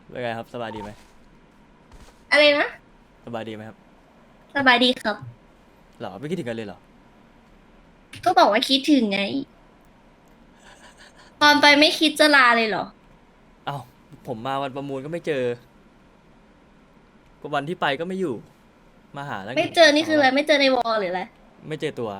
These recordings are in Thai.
เป็นไงครับสบายดีไหมอะไรนะสบายดีไหมครับสบายดีครับหรอไม่คิดถึงกันเลยเหรอก็บอกว่าคิดถึงไงตอนไปไม่คิดจะลาเลยเหรอเอ้าผมมาวันประมูลก็ไม่เจอก็วันที่ไปก็ไม่อยู่มาหาตั้งไม่เจอนี่คืออะไรสองรอบไม่เจอในวอลหรืออะไรไม่เจอตัว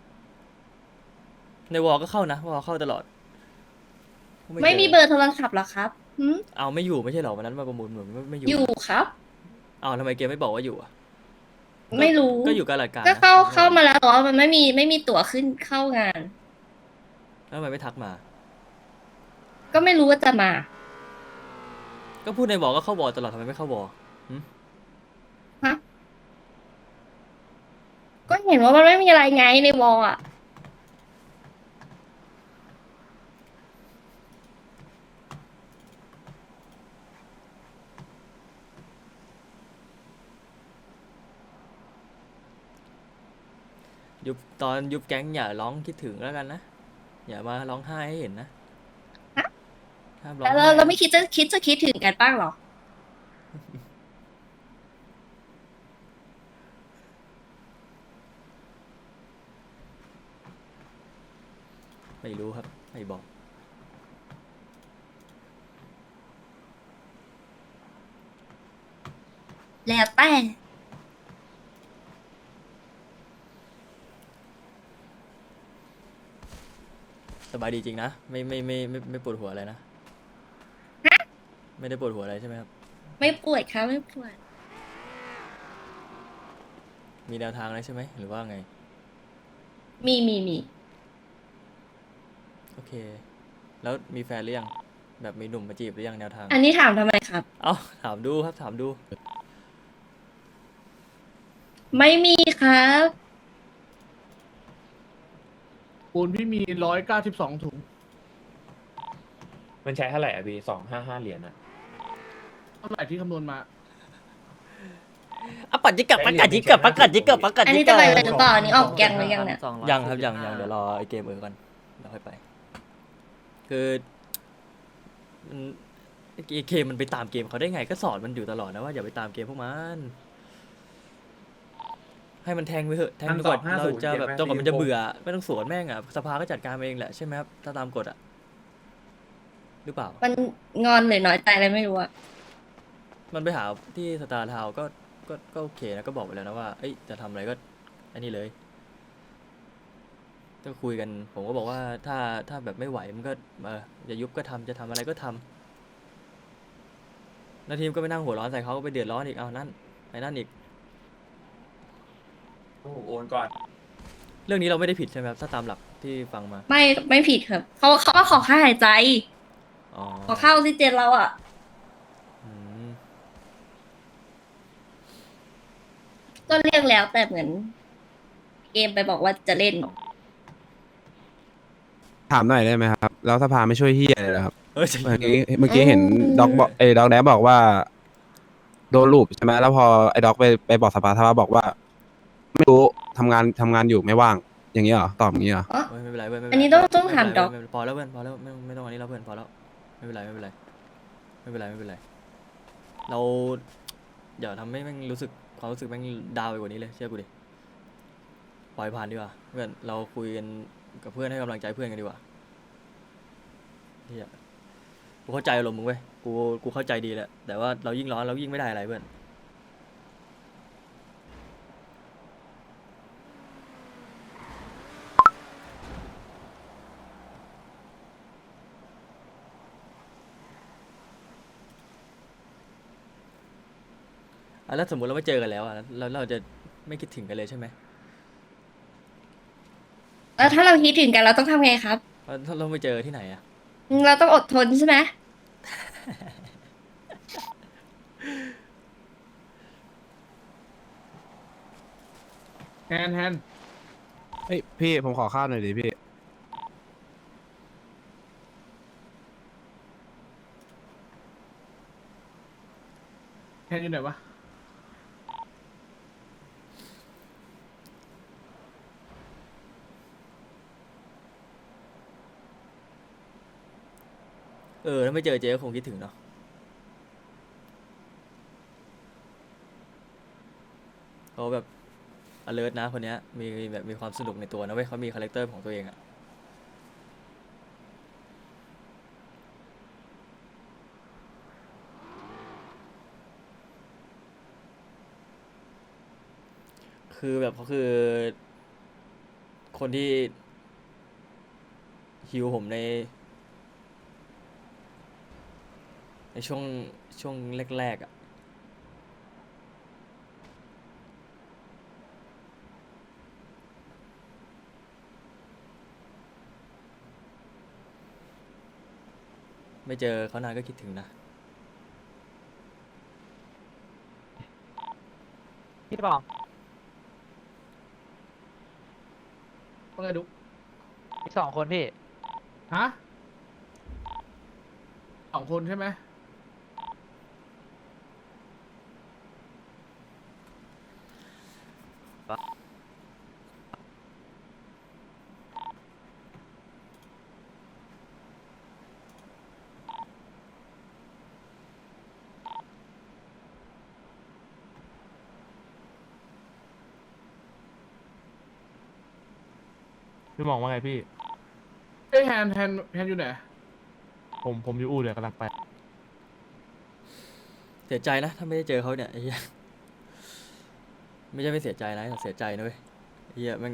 ในวอลก็เข้านะวอลเข้าตลอดก็ไม่ไม่เจอมีเบอร์โทรศัพท์เหรอครับเอาไม่อยู่ไม่ใช่เหรอวันนั้นมาประมูลเหมือนไม่อยู่อยู่นะครับเอาทำไมเกมไม่บอกว่าอยู่อ่ะก็ไม่รู้ก็อยู่กาลาดกลางก็นะเข้าไม่ใช่เหรอมาแล้วแต่ว่ามันไม่มีตั๋วขึ้นเข้างานแล้วทำไมไม่ทักมาก็ไม่รู้ว่าจะมาก็พูดในวอลก็เข้าวอลตลอดทำไมไม่เข้าวอลหึฮะก็เห็นว่ามันไม่มีอะไรไงในวอลอ่ะยุบตอนยุบแก๊งอย่าร้องคิดถึงแล้วกันนะอย่ามาร้องไห้ให้เห็นนะฮะห้ามร้อแล้วงไห้เราไม่นะคิดถึงกันบ้างเหรอไม่รู้ครับไม่บอกแล้วแต่สบายดีจริงนะไม่ปวดหัวอะไรนะฮะไม่ได้ปวดหัวอะไรใช่ไหมครับไม่ป่วยครับไม่ป่วยมีแนวทางอะไรใช่ไหมหรือว่าไงมีโอเคแล้วมีแฟนหรือยังแบบมีหนุ่มมาจีบหรือยังแนวทางอันนี้ถามทำไมครับเอ้าถามดูครับถามดูไม่มีครับปูนพี่มี192 ถุงมันใช้เท่าไหร่อ่ะพี่255 เหรียญอ่ะเท่าไหร่ที่คำนวณมาอ่ะปัดจิกกับปัดกัดจิกกับปัดกัดจิกกับปัดกัดอันจิกกับนี้จะไปเลยหรือเปล่าอันนี้ออกแกงหรือยังเนี่ยยังครับยังเดี๋ยวรอไอเกมก่อนเดี๋ยวค่อยไปคือมันไอเกมมันไปตามเกมเขาได้ไงก็สอนมันอยู่ตลอดนะว่าอย่าไปตามเกมพวกมันให้มันแทงไปเถอะแทงไปก่อนเราจะแบบจนกว่ามันจะเบื่อไม่ต้องสวนแม่งอ่ะสภาก็จัดการเองแหละใช่ไหมครับถ้าตามกฎอ่ะหรือเปล่ามันงอนหรือน้อยใจอะไรไม่รู้อะมันไปหาที่สตาร์ทาวก็โอเคนะก็บอกไปแล้วนะว่าเอ้ยจะทำอะไรก็อันนี้เลยก็คุยกันผมก็บอกว่าถ้าแบบไม่ไหวมันก็จะยุบก็ทำจะทำอะไรก็ทำแล้วทีมก็ไปนั่งหัวร้อนใส่เขาก็ไปเดือดร้อนอีกเอานั่นไอ้นั่นอีกโอ้โหโอนก่อนเรื่องนี้เราไม่ได้ผิดใช่ไหมครับถ้าตามหลักที่ฟังมาไม่ผิดครับเขาก็ขอค่าหายใจอ๋อขอค่าออกซิเจนเราอะอืมก็เรียกแล้วแต่เหมือนเกมไปบอกว่าจะเล่นถามหน่อยได้ไหมครับแล้วสภาไม่ช่วยเฮียเลยเหรอครับเออจะเมื่อรู้กี้เมื่อกี้เห็นด็อกบอกด็อกแดบบอกว่าโดนลูปใช่ไหมแล้วพอไอ้ด็อกไปบอกสภาบอกว่าไม่รู้ทำงานอยู่ไม่ว่างอย่างนี้เหรอตอบอย่างนี้เหรออ๋อไม่เป็นไรเว้ยไม่เป็อันนไรนี้ต้องไม่เป็นไรถามด็อกเว้ยไม่เป็นไรพอแล้วเพื่อนพอแล้วไม่ต้องอันนี้แล้วเพื่อนพอแล้วไม่เป็นไรไม่เป็นไรไม่เป็นไรไม่เป็นไรเราอย่าทำให้แม่งรู้สึกความรู้สึกแม่งดาวไปกว่านี้เลยเชื่อกูดิ ปล่อยผ่านดีกว่าเพื่อนเราคุยกันกับเพื่อนให้กำลังใจเพื่อนกันดีกว่าเฮียกูเข้าใจอารมณ์มึงเว้ยกูเข้าใจดีแหละแต่ว่าเรายิ่งร้อนเรายิ่งไม่ได้อะไรเพื่อนแล้วสมมติเราไม่เจอกันแล้วแล้วเราจะไม่คิดถึงกันเลยใช่ไหมแล้วถ้าเราคิดถึงกันเราต้องทำไงครับเพราะถ้าเราไม่เจอที่ไหนอะเราต้องอดทนใช่ไหมแทนเฮ้ยพี่ผมขอข้าวหน่อยดิพี่แทนอยู่ไหนวะถ้าไม่เจอเจ๊ก็คงคิดถึงเนาะเขาแบบ alert นะคนเนี้ยมีแบบมีความสนุกในตัวนะเว้ยเขามีคาแรคเตอร์ของตัวเองอะคือแบบเขาคือ คนที่ฮิวผมในช่วงแรกๆอะไม่เจอเขานานก็คิดถึงนะพี่บอกว่าไงดุ๊กอีก2 คนพี่ฮะ2 คนใช่ไหมพี่มองว่าไงพี่เอ้ยแฮนอยู่ไหนผมอยู่อู่เดี๋ยวกำลังไปเสียใจนะถ้าไม่ได้เจอเขาเนี่ยไอ้เหี้ยไม่ใช่ไม่เสียใจนะแต่เสียใจนะเว้ยไอ้เหี้ยแมัน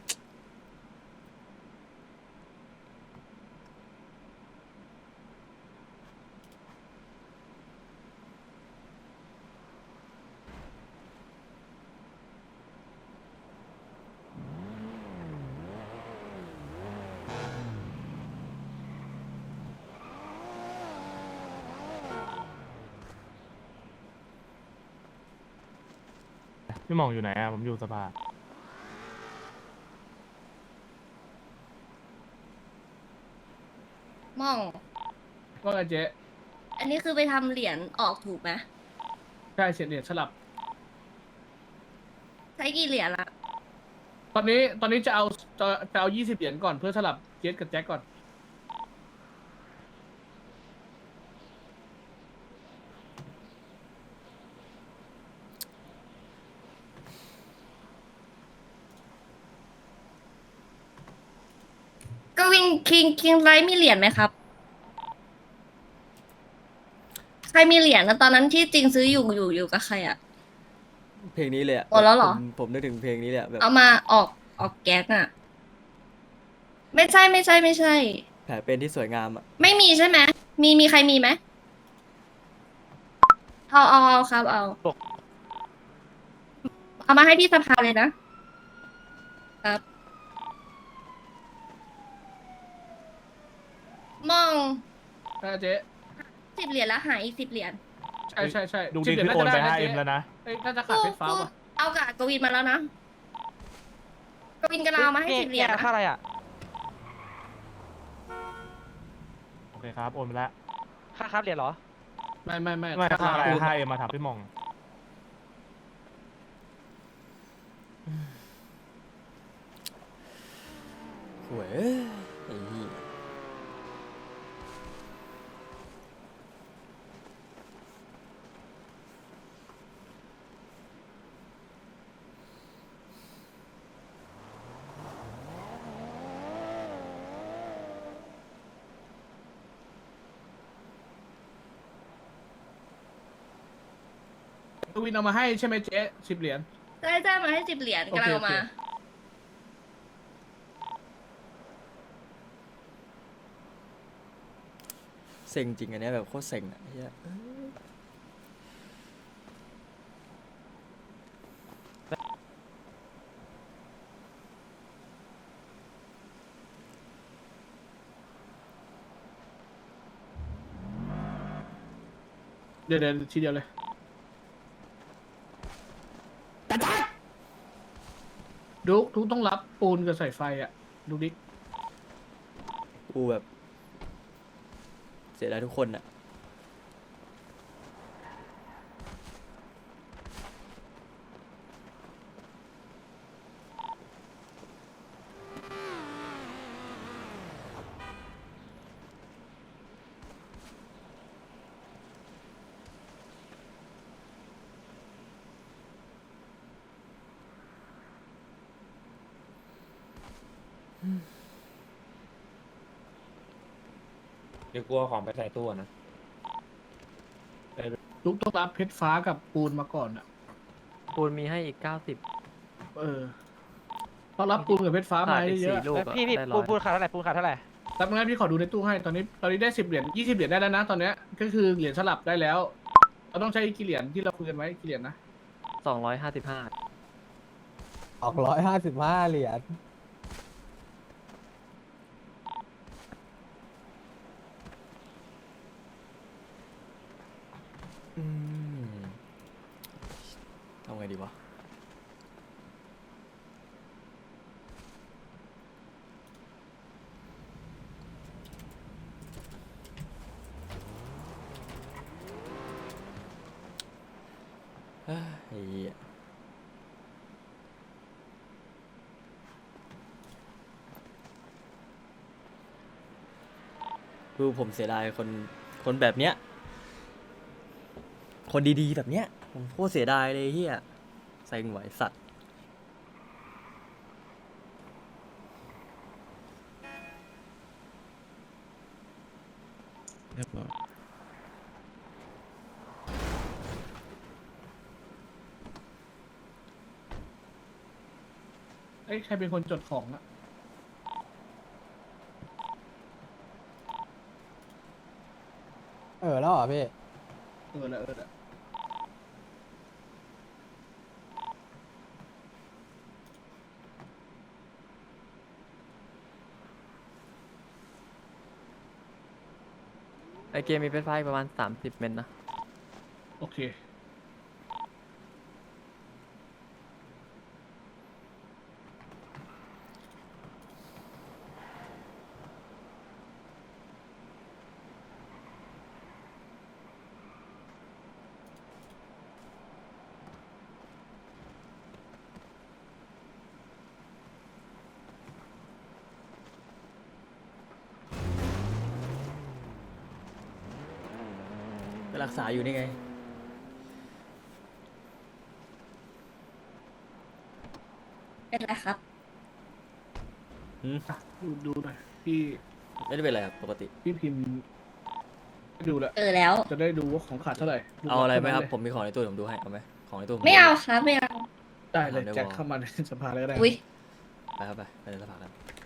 พี่มองอยู่ไหนอะผมอยู่สภาม่องว่าไงเจ๊อันนี้คือไปทำเหรียญออกถูกไหมใช่เสียเหรียญสลับใช้กี่เหรียญละตอนนี้จะเอา20 เหรียญก่อนเพื่อสลับเจสกับแจ็คก่อนก็วินคิงไรมีเหรียญไหมครับ ใครมีเหรียญนะตอนนั้นที่จริงซื้ออยู่กับใครอะเพลงนี้เลยอะหมดแล้วเหรอผมนึกถึงเพลงนี้เลยอะแบบเอามาออกแก๊กอะไม่ใช่ไม่ใช่ไม่ใช่แผลเป็นที่สวยงามอะไม่มีใช่ไหมมีใครมีไหมเอาครับเอามาให้ที่สภาเลยนะครับมองใช่เจ๊ 10 เหรียญแล้วหายอีก10 เหรียญใช่ดู 10 ดิเหรียญพี่โอนไปน่าจะด้ะ 5M เจ๊แล้วนะเอ้ยน่าจะขาดเพชรฟ้าว่ะเอากับกวินมาแล้วนะกวินกำลังเอามาให้10 เหรียญนะค่าอะไรอ่ะโอเคครับ โอนไปแล้วค่าครับเหรียญเหรอไม่ไม่ค่าอะไร 5M มาถามพี่มองหวยเอ้ยไอ้เหี้ยกวินเอามาให้ใช่ไหมเจ๊10 เหรียญได้มาให้10 เหรียญโอเคกำลังเอามาโอเคเซ็งจริงอันเนี้ยแบบโคตรเซ็งอะไอ้เหี้ยเดี๋ยวทีเดียวเลยดุ๊กต้องรับปูนกับสายไฟอ่ะดูดิกูแบบ เสียดายทุกคนอะเดี๋ยวกลัวของไปใส่ตู้นะลุกต้องรับเพชรฟ้ากับปูนมาก่อนอ่ะปูนมีให้อีก 90 ต้องรับปูนกับเพชรฟ้ามาขาดอีกเยอะ 4 ลูกเอ้ยอะพี่ได้ปู 100 นขาดเท่าไหร่ปูนขาดเท่าไหร่ๆแต่งั้นพี่ขอดูในตู้ให้ตอนนี้ได้10 เหรียญ20 เหรียญได้แล้วนะ ตอนเนี้ยก็คือเหรียญสลับได้แล้ว เราต้องใช้กี่เหรียญที่เราคุยกันไว้กี่เหรียญนะ 255 ออก155 เหรียญอืมทำไงดีวะเฮ้ยไอ้เหี้ยคือผมเสียดายคนแบบเนี้ย คนดีๆแบบเนี้ยผมโคตรเสียดายเลยเฮียเซ็งไหวสัตว์เรียบร้อยเอ้ยใครเป็นคนจดของอะแล้วเหรอพี่แล้วไอเกมมีเพชรฟ้าอีกประมาณ 30 เมตรนะโอเคไปรักษาอยู่นี่ไงเป็นไรครับดูหน่อยพี่ไม่ได้เป็นอะไรครับปกติพี่พิมพ์ให้ดูแล้วแล้วจะได้ดูว่าของขาดเท่าไหร่เอาอะไรไหมครับเท่านั้นเลยผมมีของในตู้ผมดูให้ เอาไหมของในตู้ผไม่เอาครับไม่เอาได้เลยเอาได้แจ็ควอเข้ามาในสภาเลยก็ได้อุ้ยไปครับไปในสภากัน